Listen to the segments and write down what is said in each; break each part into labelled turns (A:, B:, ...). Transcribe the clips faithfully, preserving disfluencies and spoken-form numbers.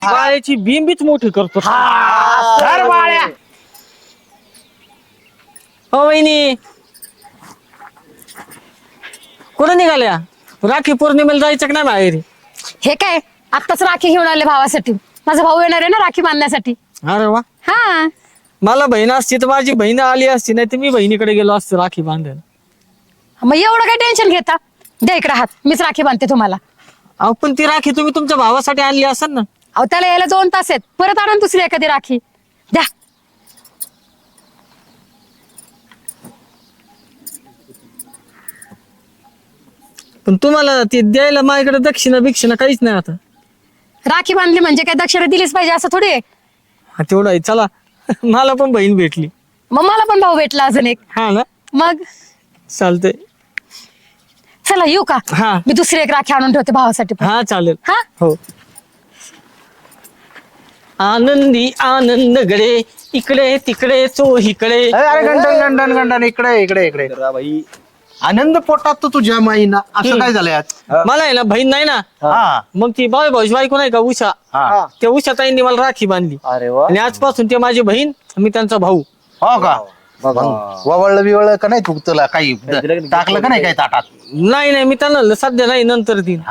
A: बाळ्याची बिंबीच मोठी करतो.
B: सर बाळ्या
A: हो वहिनी कुठं निघाल्या? राखी पौर्णिमेला जायचं का नाही बाहेर?
C: हे काय आत्ताच राखी घेऊन आले भावासाठी. माझा भाऊ येणार आहे ना राखी बांधण्यासाठी.
A: अरे वा,
C: हा
A: मला बहीण असती तर माझी बहीण आली असती, नाही तर मी बहिणीकडे गेलो असतो राखी बांधायला.
C: मग एवढं काय टेन्शन घेता, द्या इकडे हात, मीच राखी बांधते तुम्हाला.
A: अहो पण ती राखी तुम्ही तुमच्या भावासाठी आणली असेल ना.
C: अहो त्याला यायला दोन तास आहेत, परत आणून दुसरी एखादी राखी द्या.
A: पण तुम्हाला ती द्यायला माझ्याकडे दक्षिणा बिक्षिणा काहीच नाही आता.
C: राखी बांधली म्हणजे काय दक्षिणा दिलीच पाहिजे असं थोडी आहे.
A: हा तेवढं आहे. चला मला पण बहीण भेटली.
C: मग मला पण भाऊ भेटला अजून एक.
A: हा ना,
C: मग
A: चालतंय.
C: चला येऊ का?
A: हा.
C: मी दुसरी एक राखी आणून ठेवते भावासाठी पण.
A: हा चालेल.
C: हा
A: हो. आनंदी आनंद गडे इकडे तिकडे चोहीकडे.
B: अरे गंडन गंडन गंडन इकडे इकडे इकडे बाई आनंद पोटात तर तुझ्या माईना असं काय झालंय आज?
A: मला आहे ना बहीण नाही ना,
B: हा
A: मग ती बाय भाऊची बायको नाही का उषा,
B: हा
A: त्या उषा ताईंनी मला राखी बांधली
B: अरे वा
A: आणि आजपासून ते माझी बहीण, मी त्यांचा भाऊ.
B: हो का वळलं बिवळलं का नाही तू तुला काही टाकलं का नाही काही ताटात?
A: नाही नाही मी त्यांना सध्या नाही, नंतर दिन.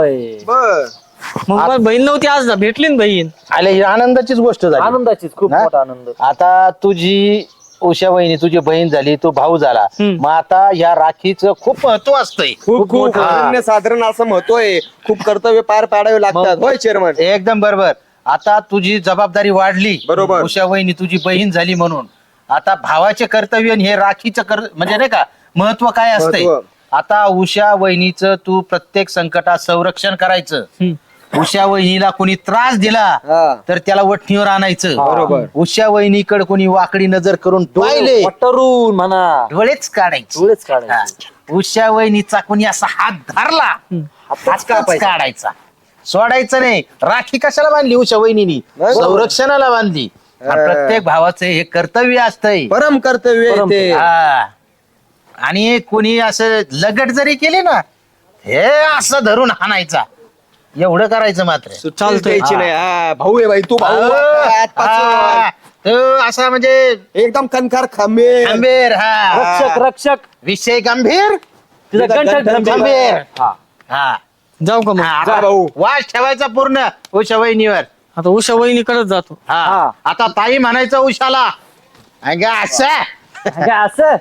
A: मग माझी बहीण नव्हती, आज ना भेटली ना बहीण.
B: आले ही आनंदाचीच गोष्ट झाली.
D: आनंदाचीच खूप
B: ना?
D: मोठा आनंद.
B: आता तुझी उषा वहिनी तुझी बहीण झाली, तू भाऊ झाला,
A: हम्म.
B: मग आता या राखीचं खूप महत्व असतंय.
D: खूप खूप
B: हा.
D: अनन्यसाधारण असं महत्व आहे. खूप कर्तव्य पार पाडावे लागतात. होय चेअरमन.
B: एकदम बरोबर. आता तुझी जबाबदारी वाढली,
D: बरोबर.
B: उषा वहिनी तुझी बहीण झाली म्हणून आता भावाचे कर्तव्य आणि हे राखीचं कर म्हणजे नाही का महत्व काय असतंय.
D: महत्व.
B: आता उषा वहिनीचं तू प्रत्येक संकटात संरक्षण करायचं.
A: हम्म.
B: उषा वहिनीला कोणी त्रास दिला
D: हा.
B: तर त्याला वठणीवर आणायचं.
D: बरोबर.
B: उषा वहिनीकडे कोणी वाकडी नजर करून पाहिले
D: पटरून म्हणा
B: डोळेच काढायचे.
D: डोळेच काढायचे.
B: हा. उषा वहिनीचा कोणी असा हात धरला हातच
D: कापायचा.
B: काढायचा, सोडायचं नाही. राखी कशाला बांधली उषा वहिनीनी?
D: नाही.
B: संरक्षणाला बांधली. आणि प्रत्येक भावाचं हे कर्तव्य असतंय.
D: परम कर्तव्य आहे परम ते.
B: हा. आणि कोणी असं लगट जरी केली ना, हे असं धरून हाणायचा, एवढं करायचं मात्र.
D: चालतंय द्यायची नाही. हा, भाऊ आहे बाई तू भाऊ आहे. आजपासून.
B: हा. तो असा म्हणजे
D: एकदम कणकार खंबीर.
B: गंभीर. हा
D: रक्षक रक्षक
B: विषय गंभीर,
D: तुझा तुझा गंठन गंठन
B: गंभीर.
D: हा.
B: हा
A: जाऊ का मग?
B: हा,
D: जा
B: आता
D: भाऊ.
B: वास ठेवायचा पूर्ण उषा वहिनीवर.
A: आता उषा वहिनीकडेच जातो.
B: हा
D: हा.
B: आता ताई म्हणायचं उषाला, अगं असं
D: अगं, असं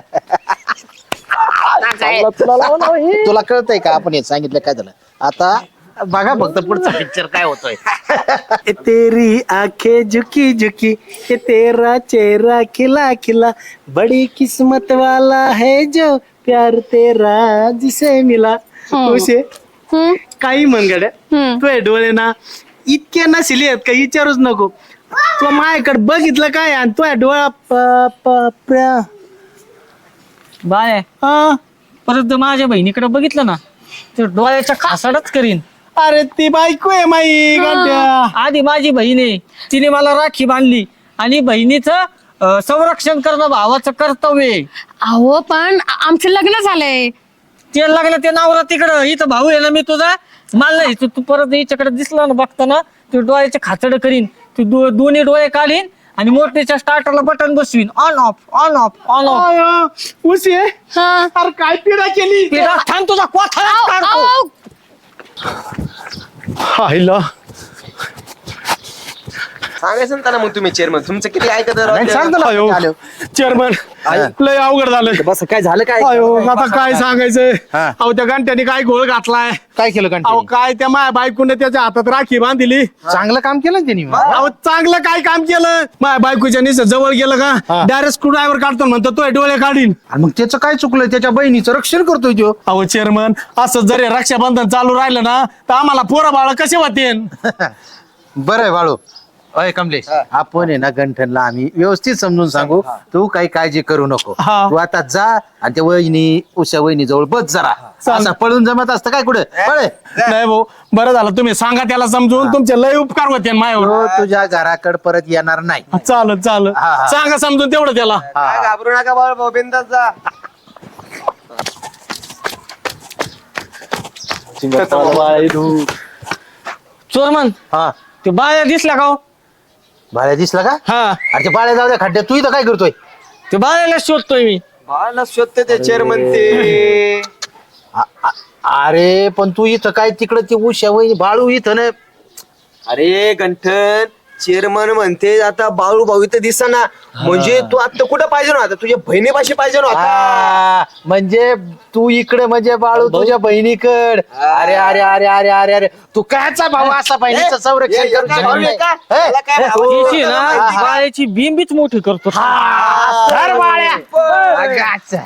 D: चांगलं तुला लावलं हो हे.
B: तुला कळतंय का आपण हे सांगितलं काय झालं? आता बघा फक्त पुढचा पिक्चर काय होतोय.
E: तेरी आंखें झुकी झुकी ये तेरा चेहरा खिला खिला बड़ी किस्मत वाला है जो प्यार तेरा जिसे मिला. उषे
C: हम्म,
E: काही मनगड
C: हम्म.
E: तुझे डोळे ना इतके नसले आहेत का विचारूच नको. तू माझ्याकडे बघितलं काय आणि तुझ्या डोळा प- प- प्या-
A: बाय
E: हा.
A: परत माझ्या बहिणीकडे बघितलं ना, ते डोळ्याच्या खासाडच करीन.
E: अरे ती बायको आहे माई गांड्या.
A: आधी माझी बहीण आहे, तिने मला राखी बांधली आणि बहिणीचं अं, संरक्षण करणं भावाचं कर्तव्य आहे.
C: अहो पण आ- आमचं लग्न झालंय.
A: ते लागलं ते नावरा तिकडं, इथं भाऊ आहे ना मी तुझा, मला नाही तू तू परत हिच्याकडे दिसला ना बघताना ते डोळ्याचे खाचड करीन. तू दो- दोन्ही डोळे काढीन आणि मोटरीच्या स्टार्टरला बटन बसवीन, on off on off on off.
E: अयो, उषे
C: हा.
E: अरे काय पिढा केली
A: थांब तुझा कोथळा
C: आऊ,
A: काढतो.
C: आऊ.
E: हायला
D: सांगायचं ना त्यांना मग तुम्ही चेअरमन तुमचं किती ऐकत आहे राव
B: नाही,
D: ते.
B: सांग ना.
E: अयो
B: आलो.
E: चेअरमन लय अवघड झालं.
D: बस काय झालं काय
E: अयो आता काय सांगायचंय.
B: हा.
E: अहो त्या घंट्याने काय घोळ घातलाय.
B: काय केलं
E: अहो
B: कंटिन्यू?
E: काय त्या माझ्या बायकोने त्याच्या हातात राखी बांधली.
B: चांगलं काम केलं ना त्यांनी.
E: अहो चांगलं काय काम केलं. माझ्या बायकोच्या निस जवळ गेलं का
B: हा.
E: डायरेक्ट स्क्रू ड्रायव्हर काढतो म्हणतो तो डोळे काढीन.
B: आणि मग त्याचं काय चुकलं? त्याच्या बहिणीचं रक्षण करतोय तो.
E: अहो चेअरमन असं जरी रक्षाबंधन चालू राहिलं ना तर आम्हाला पोरं बाळ कसे होते.
B: बरं आहे बाळू. अय कमलेश, आपण आहे ना गंठनला आम्ही व्यवस्थित समजून सांगू. तू काही काळजी करू नको.
E: हा.
B: तू आता जा आणि त्या वहिनी उषा वहिनी जवळ बस जरा. असं पळून जमत असतं काय कुठे पळे.
E: नाही भाऊ बरं झालं तुम्ही सांगा त्याला समजून. तुमचे लय उपकार होते माझ्यावर.
B: तो तुझ्या घराकडे परत येणार नाही.
E: चालत चालत
B: हा, हा.
E: सांगा समजून तेवढं त्याला.
D: काय घाबरू नका बाळ भाऊ बिंदास जा.
A: चोरमन
B: हा
A: ते बाया दिसला का हो?
B: बाळ्या दिसला का?
A: हा
B: अरे ते बाळ्या जाऊ द्या खड्ड्यात, तू इथं काय करतोय?
A: ते बायाला शोधतोय मी.
D: बाळाला शोधते ते चेअरमन ते.
B: आ- आ- अरे पण तू इथं काय तिकडं ती उषा वहिनी बाळू इथं ना.
D: अरे गंठन चेअरमन म्हणते आता बाळू भाऊ इथं दिसना, म्हणजे तू आता कुठं पाहिजे ना, आता तुझ्या बहिणीपाशी पाहिजे ना आता.
B: आ, म्हणजे तू इकडे म्हणजे बाळू तुझ्या बहिणीकड. अरे अरे अरे अरे अरे अरे तू कायचा भाऊ असा बहिणीचं संरक्षण
D: हे,
B: करू
D: हे,
B: शकत नाही?
D: का?
B: हे?
D: याला काय भाऊ?
A: तिची ना बायाची बिंबीच मोठी करतो.
B: हा, सर बाळ्या. अगाचा.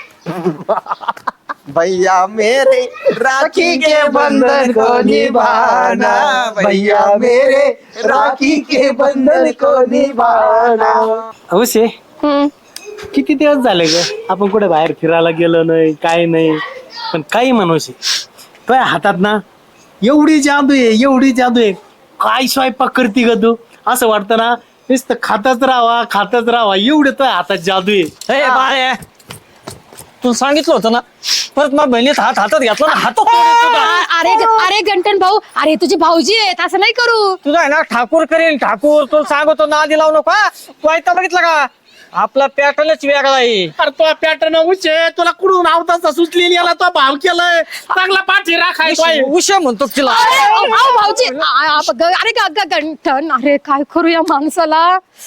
D: भैया मेरे राखी के बंधन को निभाना, भैया मेरे राखी के बंधन को निभाना.
E: अवश्य
C: हम्म.
E: किती दिवस झाले ग आपण कुठे बाहेर फिरायला गेलो नाही, काय नाही. पण काही म्हणूशी तुझ्या हातात ना एवढी जादू आहे, एवढी जादू आहे. काय स्वयंपाक करते ग तू? असं वाटतं ना नुसतं खातच राहावा खातच राहावा, एवढं तुझ्या हातात जादू आहे.
A: हे बाया, तुला सांगितलं होतं ना, परत माझ्या बहिणीत हात हातात घेतला ना, हातात तोडीन तुझा.
C: आ- अरे अरे गंटन भाऊ, अरे तुझी भाऊजी आहेत, असं नाही करू.
A: तुझा आहे ना ठाकूर करेन ठाकूर. तुला सांगतो ना आधी लावू नको हा. तू ऐकता बघितलं का? आपला पॅटर्नच वेगळा आहे.
E: अरे तो पॅटर्न उचे तुला कुठून आवताचा सुचलेली याला तो भाव केलाय चांगला पाठी राखाय.
A: उशा म्हणतो तिला.
C: अरे अहो, अहो, भाऊजी आ- आ- ग- अरे ग- ग- गंठन, अरे काय करू या माणसाला.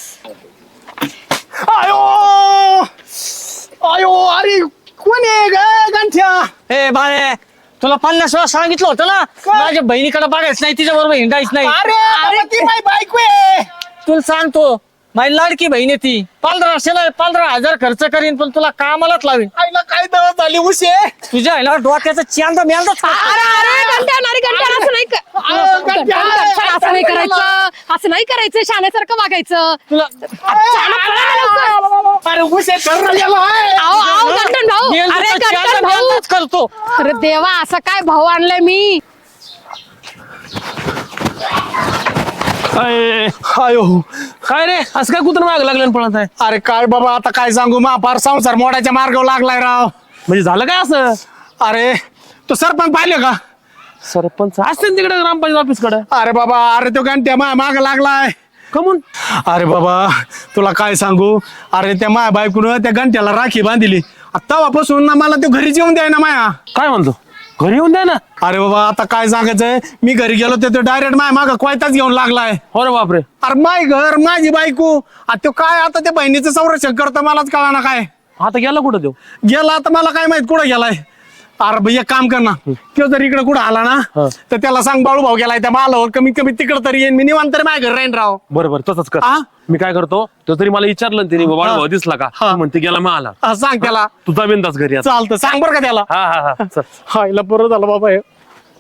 E: आयो आयो अरे कोण आहे ग गंठ्या?
A: हे बाळे, तुला पन्नास वेळा सांगितलं होतं ना माझ्या बहिणीकडे बघायचं नाही, तिच्या बरोबर हिंडायच नाही.
E: अरे बाबा, ती माझी बायको आहे.
A: तुला सांगतो माझी लाडकी बहीण आहे ती. पंधराशेला पंधरा हजार खर्च करीन पण तुला कामालाच लावीन.
E: आईला काय दवा झाली उशे?
A: तुझ्या आहे ना डोक्याचा चांदा मेंदा
C: अरे अरे गंठन, अरे गंठन, असं नाही क-
E: अहो,
C: गंठन,
E: गंठन,
C: गंठन, असं नाही करायचं, असं नाही करायचं, शाण्यासारखं वागायचं.
A: तुला
E: अरे उशे ठरला गेला आहे.
C: अहो अहो गंठन भाऊ,
A: मेंदूचा
C: अरे
A: चांदा
C: गंठन भाऊ,
A: मेंदाच करतो.
C: अरे देवा, असा काय भाऊ आणलाय मी.
E: आयो
F: काय रे असं काय कुत्र माग लागलं पळत आहे?
E: अरे काय बाबा आता काय सांगू मा फार संसार मोडायच्या मार्गावर लागलाय राव.
F: म्हणजे झालं काय असं?
E: अरे तू सरपंच पाहिले का?
F: सरपंच असते तिकडे ग्रामपंचायत ऑफिस कडे.
E: अरे बाबा अरे तो घंट्या माया माग लागलाय.
F: कमून?
E: अरे बाबा तुला काय सांगू, अरे त्या माया बायकून त्या घंट्याला राखी बांधिली. तेव्हापासून ना मला तो घरी जेवून द्याय ना माया.
F: काय म्हणतो? घरी येऊन द्या ना.
E: अरे बाबा आता काय सांगायचंय, मी घरी गेलो तर तो डायरेक्ट माय माग कोयताच घेऊन लागलाय.
F: हो रे बापरे.
E: अरे माय घर माझी बायको, आता तो काय आता त्या बहिणीचं संरक्षण करतो मलाच कळा ना काय.
F: आता गेला कुठं देऊ?
E: गेला आता मला काय माहित कुठं गेलाय. अरे भाई एक काम कर ना, तो जर इकडे कुठं आला ना तर त्याला सांग बाळू भाऊ गेलाय त्या मालावर, कमीत कमी तिकडं तरी येईन मी, निवांत तरी माझ्या घर राहीन राव.
F: बरोबर तसंच कर.
E: हा?
F: मी काय करतो, तो तरी मला विचारलं ना तिने, बाबा भाऊ दिसला का?
E: हा.
F: तू म्हणते गेला मग आला.
E: हा, सांग त्याला.
F: तुझा बिंदास घरी आता.
E: चालतं सांग बरं का त्याला.
F: हा हा हा चल.
E: हायला बरं झालं बाबा हे.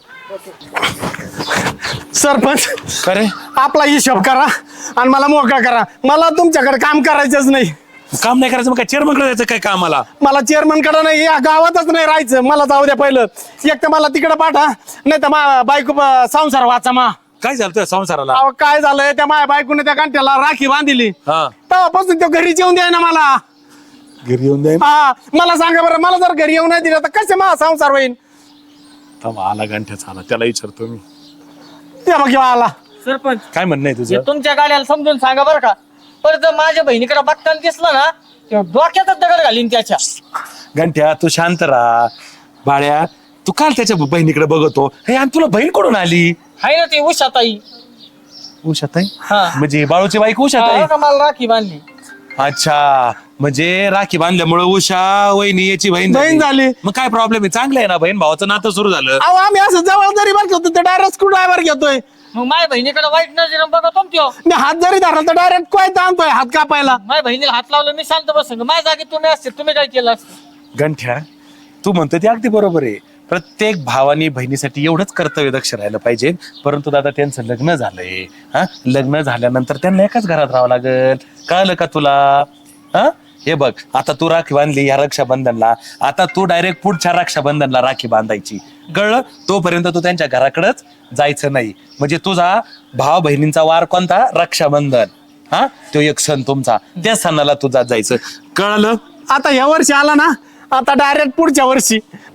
E: सरपंच
F: करे
E: आपला हिशोब करा आणि मला मोकळा करा. मला तुमच्याकडे काम करायचंच नाही.
F: काम नाही करायचं मग काय चेअरमन कडे जायचं काय कामाला?
E: मला चेअरमन कडे नाही, या गावातच नाही राहायचं. मला जाऊ द्या पहिलं. एक तर मला तिकडे पाठा, नाही तर मा बायको ब- संसार वाचा मा.
F: काय झालं तुझ्या संसाराला?
E: अहो, काय झालंय त्या माझ्या बायकोने त्या कांट्याला राखी बांधिली.
F: हा
E: तेव्हापासून तो घरी जेवून द्याय ना मला.
F: घरी येऊन द्या.
E: हा मला सांगा बरं, मला जर घरी येऊन नाही दिलं तर कसे मा संसार होईल?
F: आला गंठ्याचा आला, त्याला विचारतो मी.
E: ते बघ ह्यो आला.
A: सरपंच
F: काय म्हणणं आहे
A: हे
F: तुझं?
A: तुमच्या गाड्याला समजून सांगा बरं का. परत जर माझ्या बहिणीकडे बघताना दिसलं ना तेव्हा डोक्यातच दगड घालीन त्याच्या.
F: गंठ्या तू शांत राहा. बाळ्या तू काल त्याच्या बहिणीकडे बघतो, हे आणि तुला बहीण कोण आली?
A: हाय ना ती उषाताई.
F: उषाताई?
A: हा.
F: म्हणजे बाळूची बाईक उषाताई?
A: हा का, मला राखी बांधली.
F: अच्छा, म्हणजे राखी बांधल्यामुळे उषा वहिनी याची बहीण
E: बहीण झाली.
F: मग काय प्रॉब्लेम आहे? चांगलं आहे ना, बहीण भावाचं नातं सुरू झालं.
E: अहो आम्ही असं जवळ जरी बघतो तर डायरेक्ट स्क्रू ड्रायव्हर घेतोय.
A: मग माझ्या बहिणीकडे वाईट नजर बघतो ना त्यो.
E: मी हात जरी धरला तर डायरेक्ट कोयता आणतोय हात कापायला.
A: माझ्या बहिणीला हात लावला मी शांत बसून. माझ्या जागी तुम्ही असते तुम्ही काय केलं असतं?
F: गंठ्या तू म्हणतो ते अगदी बरोबर आहे. प्रत्येक भावानी बहिणीसाठी एवढंच कर्तव्य दक्ष राहिलं पाहिजे. परंतु दादा त्यांचं लग्न झालंय, हा लग्न झाल्यानंतर त्यांना एकाच घरात राहावं लागेल. कळलं का तुला? हा हे बघ, आता तू राखी बांधली या रक्षाबंधनला, आता तू डायरेक्ट पुढच्या रक्षाबंधनला राखी बांधायची. कळलं? तोपर्यंत तू त्यांच्या घराकडेच जायचं नाही. म्हणजे तुझा भाव बहिणींचा वार कोणता? रक्षाबंधन. हा तो एक सण तुमचा, त्या सणाला तुझा जायचं. कळलं?
E: आता ह्या वर्षी आला ना, आता डायरेक्ट पुढच्या वर्षी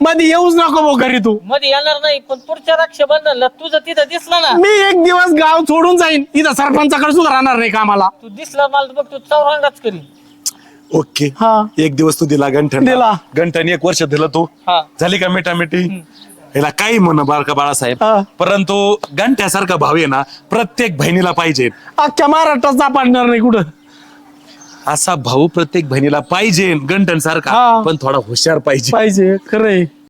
E: मध्ये येऊच नको भाऊ घरी तू.
A: मध्ये येणार नाही, पण पुढच्या रक्षाबंधनला तुझं तिथं दिसलं ना,
E: मी एक दिवस गाव सोडून जाईन, इथं सरपंचाकडे सुद्धा राहणार नाही कामाला.
A: तू दिसला मला बघ, तू चौरंगाच करीन.
F: ओके
E: हा.
F: एक दिवस तू दिला गंठन
E: दिला.
F: गंठन एक वर्ष दिलं तू
A: हा.
F: झाली का मिठामिठी. याला काही म्हण बारका बाळासाहेब,
E: हा.
F: परंतु गंठ्यासारखा भाऊ आहे ना प्रत्येक बहिणीला पाहिजे.
E: अख्ख्या महाराष्ट्रात सापडणार नाही कुठं.
F: असा भाऊ प्रत्येक बहिणीला पाहिजे गंठन सारखा,
E: हा.
F: पण थोडा हुशार पाहिजे.
E: पाहिजे खरंय.